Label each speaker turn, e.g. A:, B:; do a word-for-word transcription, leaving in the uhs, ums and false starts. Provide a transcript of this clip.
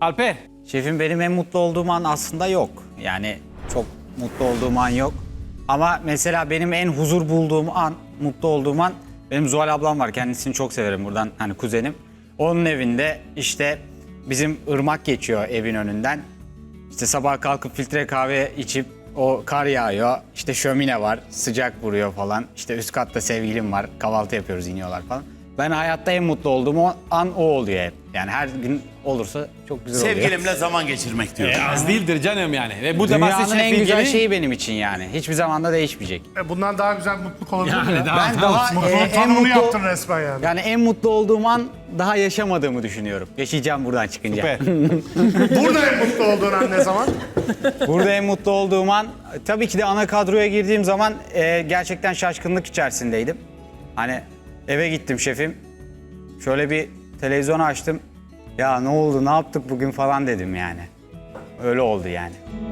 A: Alper.
B: Şefim benim en mutlu olduğum an aslında yok. Yani çok mutlu olduğum an yok. Ama mesela benim en huzur bulduğum an, mutlu olduğum an benim Zuhal ablam var. Kendisini çok severim buradan, hani kuzenim. Onun evinde işte bizim ırmak geçiyor evin önünden. İşte sabah kalkıp filtre kahve içip o kar yağıyor. İşte şömine var, sıcak vuruyor falan. İşte üst katta sevgilim var, kahvaltı yapıyoruz, iniyorlar falan. Ben hayatta en mutlu olduğum o an o oluyor hep. Yani her gün olursa çok güzel oluyor.
C: Sevgilimle zaman geçirmek diyor.
A: E, az değildir canım yani. Ve bu da
B: Dünyanın
A: Masterchef
B: en güzel
A: Bilge'nin-
B: şeyi benim için yani. Hiçbir zaman da değişmeyecek.
D: E, Bundan daha güzel mutluluk olabilir mi?
A: Yani
D: ya?
A: daha-
B: Ben
A: tamam.
B: daha
D: Mutluluğun
B: e, en
D: tanımını
B: mutlu
D: yaptın resmen yani.
B: yani en mutlu olduğum an daha yaşamadığımı düşünüyorum. Yaşayacağım buradan çıkınca.
A: Süper.
D: Burada en mutlu olduğun an ne zaman?
B: Burada en mutlu olduğum an tabii ki de ana kadroya girdiğim zaman e, gerçekten şaşkınlık içerisindeydim. Hani eve gittim şefim. Şöyle bir televizyonu açtım. Ya ne oldu, ne yaptık bugün falan dedim yani. Öyle oldu yani.